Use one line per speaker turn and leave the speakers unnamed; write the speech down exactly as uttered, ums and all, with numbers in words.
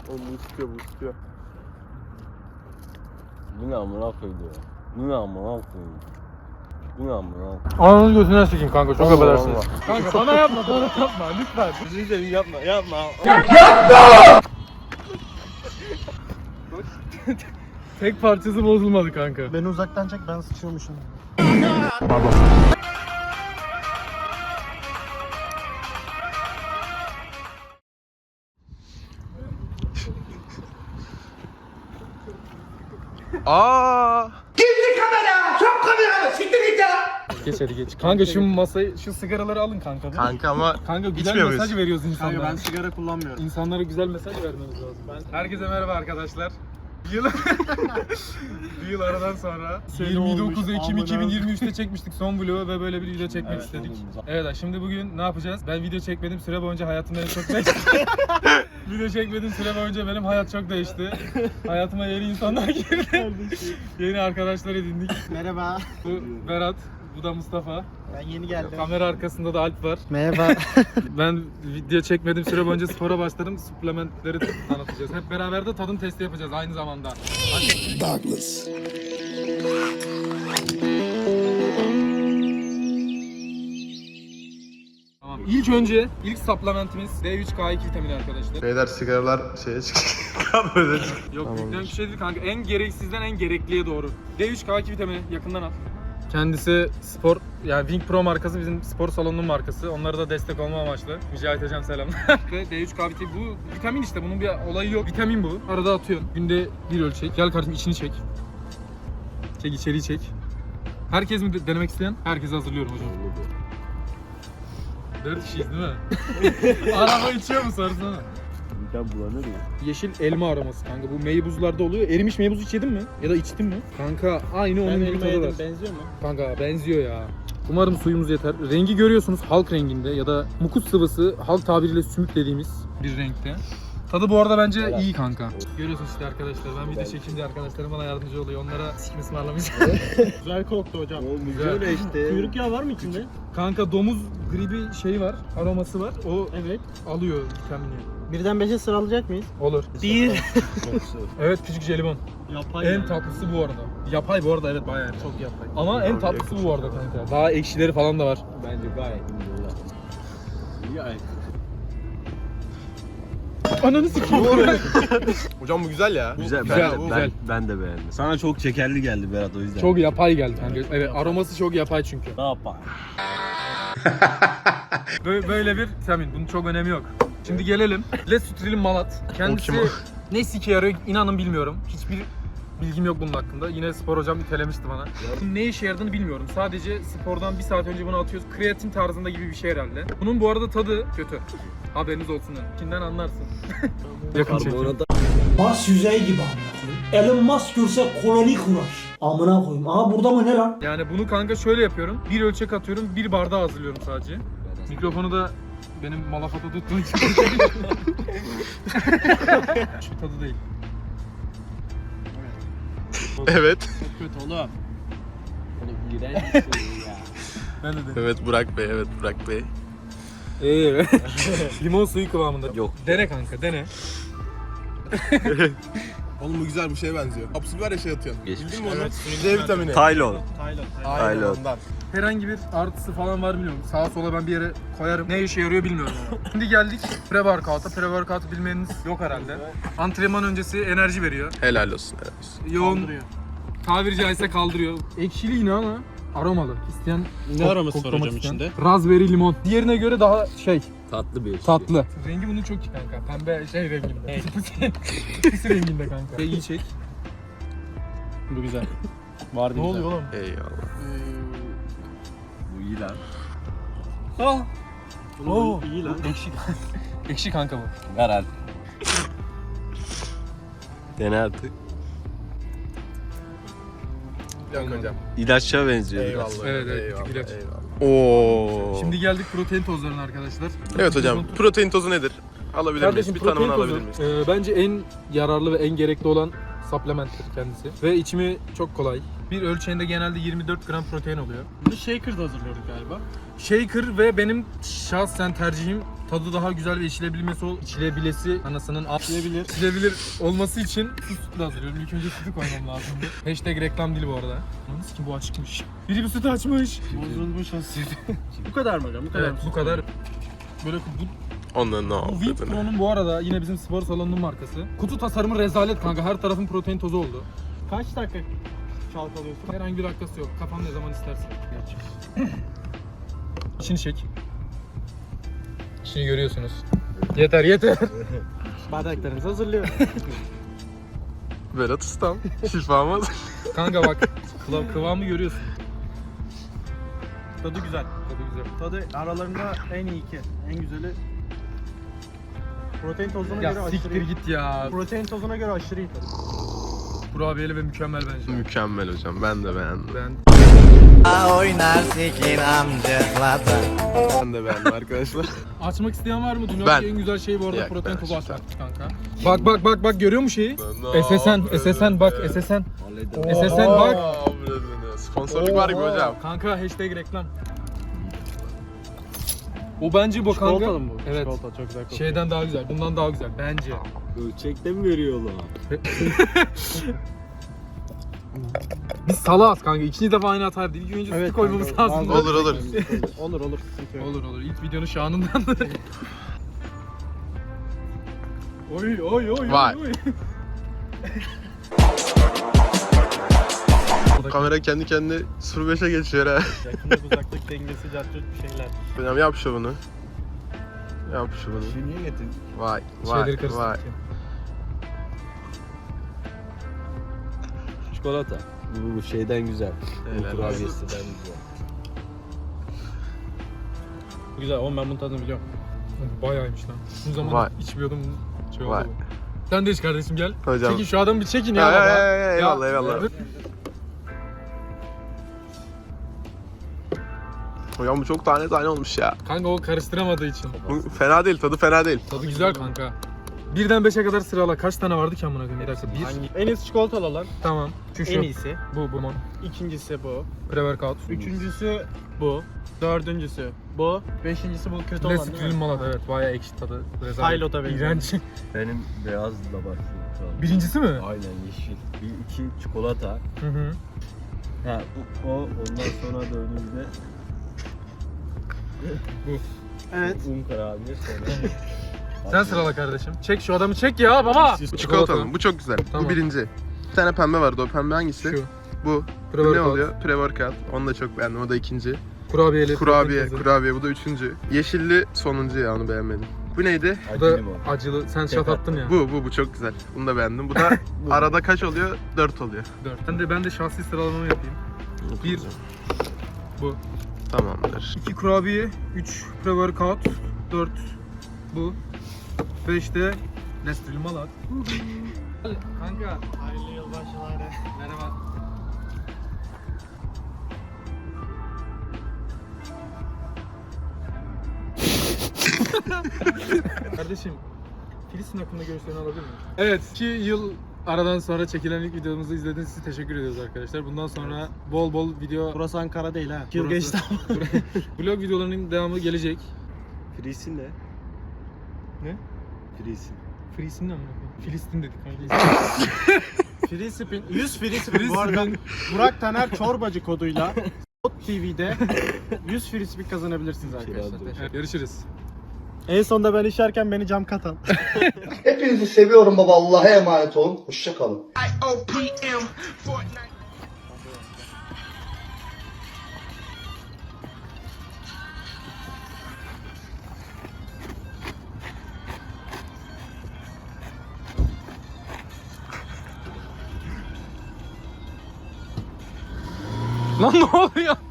Oğlum bu sıkıyor bu sıkıyor. Bu ne amına koydu ya? Bu ne amına koydu? Bu ne amına koydu?
Ananı gözüne sikeyim kanka, çok
Allah
affedersiniz.
Allah.
Kanka bana yapma, bana yapma lütfen.
Gözünü seveyim yapma yapma.
Tek parçası bozulmadı kanka.
Beni uzaktan çek, ben sıçıyormuşum.
Pardon.
Aa!
Geç hadi geç. Kanka şu masayı, şu sigaraları alın kanka. Değil mi?
Kanka ama
Kanka güzel
İçmiyor
mesaj
muyuz?
veriyoruz insanlara.
Kanka ben sigara kullanmıyorum.
İnsanlara güzel mesaj vermemiz lazım. Ben... Herkese merhaba arkadaşlar. Bir yıl, bir yıl aradan sonra yirmi dokuz Ekim iki bin yirmi üç'te çekmiştik son vlogu ve böyle bir video çekmek
Evet,
istedik.
oğlum.
Evet, şimdi bugün ne yapacağız? Ben video çekmedim süre boyunca hayatımda en çok değişti. Video çekmedim süre boyunca benim hayat çok değişti. Hayatıma yeni insanlar girdi. Yeni arkadaşlar edindik.
Merhaba.
Bu Berat, bu da Mustafa.
Ben yeni geldim.
Kamera arkasında da Alp var.
Merhaba.
Ben video çekmedim süre boyunca spora başladım. Suplementleri tanıtacağız. Hep beraber de tadım testi yapacağız aynı zamanda.
Douglas.
Tamam. İlk önce ilk supplementimiz D üç K iki vitamini arkadaşlar.
Beyler sigaralar şeye çıkıyor. Böyle çıkıyor.
Yok büyükten bir şey değil kanka. En gereksizden en gerekliye doğru. D üç K iki vitamini yakından al. Kendisi spor, yani Wing Pro markası bizim spor salonunun markası. Onlara da destek olma amaçlı. Mücahit hocam selamlar. D üç K vitamini, bu vitamin işte, bunun bir olayı yok. Vitamin bu. Arada atıyorsun. Günde bir ölçek. Gel kardeşim içini çek. Çek, içeriği çek. Herkes mi de- denemek isteyen? Herkese hazırlıyorum hocam. Dört kişiyiz değil mi? Araba içiyor mu sorsana.
Midem bulanır ya.
Yeşil elma aroması kanka. Bu meybuzlarda oluyor. Erimiş meybuz hiç yedin mi? Ya da içtin mi? Kanka aynı onun gibi tadı var.
Benziyor mu?
Kanka benziyor ya. Umarım suyumuz yeter. Rengi görüyorsunuz halk renginde ya da mukus sıvısı, halk tabiriyle sümük dediğimiz bir renkte. Tadı bu arada bence
Evet.
iyi kanka. Görüyorsunuz işte arkadaşlar, ben video çekince arkadaşlarım bana yardımcı oluyor. Onlara sikim ısmarlamayacağım.
Güzel koktu hocam.
Oğlum
Güzel.
böyle işte.
Kuyruk yağı var mı içinde?
Kanka domuz gribi şeyi var, aroması var. O
Evet.
alıyor vitamini.
Birden beşe sıralayacak mıyız?
Olur.
Bir.
Evet, küçük jelibon.
Yapay
En
yani.
tatlısı bu arada. Yapay bu arada, evet bayağı yani.
Çok yapay.
Ama en tatlısı bu arada kanka. Daha ekşileri falan da var.
Bence gayet iyi. Gayet.
Ananı sikeyim.
Hocam bu güzel ya.
Güzel,
Güzel,
ben, de,
güzel.
Ben, ben de beğendim. Sana çok şekerli geldi Berat, o yüzden.
Çok yapay geldi kanka. Evet, aroması çok yapay çünkü.
Ne yapar?
Böyle, böyle bir vitamin. Bunun çok önemi yok. Şimdi gelelim. Lesutrilin Malat. Kendisi
kim o?
ne sike yarıyor inanın bilmiyorum. Hiçbir bilgim yok bunun hakkında. Yine spor hocam itelemişti bana. Bunun ne işe yaradığını bilmiyorum. Sadece spordan bir saat önce bunu atıyoruz. Kreatin tarzında gibi bir şey herhalde. Bunun bu arada tadı kötü. Haberiniz olsun. Kimden anlarsın. Yakın çekim.
Mars yüzeyi gibi amına koyayım. Elon Musk görse koloni kurar. Amına koyayım. Aha burada mı ne lan?
Yani bunu kanka şöyle yapıyorum. Bir ölçek atıyorum, bir bardağı hazırlıyorum sadece. Mikrofonu da benim malafata tuttuğu için. Şu tadı değil.
Evet.
Çok kötü oğlum.
Ben de dedim.
Evet Burak Bey, evet Burak Bey.
Ee, limon suyu kıvamında.
Yok.
Dene kanka, dene.
Oğlum bu güzel bir şeye benziyor. Kapsül var ya şey atıyorsun.
Geçmiş.
Bildin mi onu? C vitamini.
Taylor.
Tayland.
Aynen
Taylor.
ondan.
Herhangi bir artısı falan var bilmiyorum. Sağa sola ben bir yere koyarım. Ne işe yarıyor bilmiyorum ama. Şimdi geldik pre-workout'a. Pre-workout'u bilmeniniz yok herhalde. Antrenman öncesi enerji veriyor.
Helal olsun, helal olsun.
Yoğun,
Kaldırıyor.
tabiri caizse kaldırıyor. Ekşili yine ama aromalı. İsteyen
Ne
kok-
aroması var
koklamak
hocam
isteyen.
içinde?
Raspberry limon. Diğerine göre daha şey,
Tatlı bir şey.
tatlı. Rengi bunun çok iyi kanka. Pembe şey renginde. Pisi renginde kanka. Şey, iyi çek.
Bu güzel. Var
Ne oluyor oğlum?
Eyvallah.
Bu iyi lan.
Ah.
Oo. İyi lan.
Ekşi. Ekşi kanka bu.
Ver hadi. Dene artık.
Yok hocam.
İlaçça benziyor biraz.
Eyvallah.
Evet, evet,
eyvallah,
küçük ilaç.
eyvallah. Oo.
Şimdi geldik protein tozlarına arkadaşlar.
Evet hocam, protein tozu nedir? Alabilir
Kardeşim
miyiz? Bir
protein
tanımını
tozu
alabilir miyiz?
e, bence en yararlı ve en gerekli olan supplementtir kendisi. Ve içimi çok kolay. Bir ölçeğinde genelde yirmi dört gram protein oluyor.
Bunu shaker'da hazırlıyorduk galiba.
Shaker ve benim şahsen tercihim tadı daha güzel ve içilebilmesi ol, içilebilesi anasının içilebilir. içilebilir olması için su sütü hazırlıyorum. İlk önce sütü koymam lazımdı. Hashtag reklam değil bu arada. Nasıl ki bu açıkmış. Biri bir sütü açmış.
Bozulmuş o süt. Bu kadar mı hocam? Bu kadar
Evet
mı?
bu kadar. Böyle bu,
Ondan ne
bu
yaptı?
Wink Pro'nun bu arada yine bizim spor salonunun markası. Kutu tasarımı rezalet kanka. Her tarafın protein tozu oldu.
Kaç dakika çalkalıyorsun?
Herhangi bir dakikası yok. Kafan ne zaman istersen. İçini çek. İçini görüyorsunuz. Yeter yeter.
Bardaklarınızı hazırlıyorum.
Berat Ustam. Şifamız.
Kanka bak kıva- kıvamı görüyorsun.
Tadı güzel.
Tadı güzel.
Tadı aralarında en iyi iki. En güzeli. Protein tozuna göre
Ya
aşırı
siktir
iyi.
git ya.
Protein tozuna göre aşırı iyi tadı.
Kurabiyeli ve mükemmel bence.
Mükemmel hocam. Ben de beğendim.
Ben
Oynar sikin amcıklarda.
Ben de beğendim arkadaşlar.
açmak isteyen var mı? Dünyadaki
Ben.
en güzel şey bu arada
Yok,
protein
ben
tozu
açacağım.
açmak kanka. Bak bak bak bak görüyor musun şeyi?
Ne
S S N, S S N bak S S N. S S N bak.
Sponsorluk var gibi hocam.
Kanka hashtag reklam. O bence bu kanka.
Çikolatalı mı bu?
Evet.
Çikolata çok güzel kokuyor.
Şeyden daha güzel. Bundan daha güzel bence.
Ölçekte mi veriyor oğlum?
Biz salağız kanka. İkinci defa aynı hata değil. İlk önce sütü koymamız
kanka,
lazım.
bazı-
Olur, olur.
Olur olur. Sıkıntı yok.
Olur olur. İlk videonun şanından. oy oy oy
Vay.
oy.
Kamera kendi kendine sıfır beşe geçiyor ha.
Yakınlık uzaklık dengesi, cartçut bir şeyler.
Hocam yap şovunu. Yap şovunu.
Şu niye getirdin?
Vay vay
Şeyleri karıştırdık
vay.
ya.
Çikolata. Bu, bu şeyden güzel.
Helal
Bu kurabiyesinden güzel.
Güzel oğlum ben bunun tadını biliyorum.
Bayağıymış lan. Bu zaman
Vay.
içmiyordum. Şey oldu
Vay.
bu. Sen de iç kardeşim gel.
Hocam.
Çekin şu adamı bir çekin ya
Ya,
baba.
ya, ya, ya, eyvallah, eyvallah. Hocam bu çok tane tane olmuş ya.
Kanka o karıştıramadığı için.
Bu fena değil, tadı fena değil.
Tadı güzel kanka. Birden beşe kadar sırala. Kaç tane vardı ki amına koyayım? Bir dakika. Bir.
Hangi? En iyisi çikolatalı olan.
Tamam. Şu şu.
En iyisi.
Bu bu mon.
İkincisi bu.
Pre-workout.
Üçüncüsü bu. Dördüncüsü bu. Beşincisi bu kötü olan değil
Nesquik'in
mi?
malat evet bayağı ekşi tadı. Rezalet.
Pilot'a benziyor.
İğrenç.
Benim beyazla başlıyor şu an.
Birincisi mi?
Aynen yeşil. Bir iki çikolata.
Hı hı.
Ha o, o ondan sonra dördüncüde
Evet.
un kurabiye sonra.
Sen sırala kardeşim. Çek şu adamı çek ya baba.
Bu çikolatalı, bu çok güzel.
Tamam.
Bu birinci. Bir tane pembe vardı, o pembe hangisi?
Şu.
Bu. Bu ne
Pre-workout.
oluyor? Pre-workout. Onu da çok beğendim, o da ikinci.
Kurabiyeli.
Kurabiye,
protein tozu.
kurabiye, bu da üçüncü. Yeşilli sonuncu ya, onu beğenmedim. Bu neydi?
Bu da
Acı limon.
acılı. Sen
Tek
şat attın ya.
Bu, bu, bu çok güzel. Bunu da beğendim. Bu da arada kaç oluyor? Dört oluyor.
Dört. Ben de ben de şahsi sıralamamı yapayım. Bir. Bu.
Tamamdır.
iki kurabiye. Üç pre-workout. Dört. Bu. Beş de Nesquik malat. Kanka.
Hayırlı yılbaşıları.
Merhaba. Kardeşim, Filistin hakkında görüşlerini alabilir miyim? Evet, iki yıl aradan sonra çekilen ilk videomuzu izlediğiniz için teşekkür ediyoruz arkadaşlar. Bundan sonra bol bol video,
Burası Ankara değil ha. Yıl
Burası-
geçti ama.
vlog videolarının devamı gelecek.
Frisin ne?
Ne?
Frisin.
Filistin mi? Filistin dedik kanka.
Free spin. yüz free spin. Bu arada Burak Taner Çorbacı koduyla Ot T V'de yüz free spin kazanabilirsiniz arkadaşlar.
Evet, görüşürüz.
En sonunda ben işerken beni cam katan.
Hepinizi seviyorum baba. Allah'a emanet olun. Hoşça kalın.
Lan ne oluyor?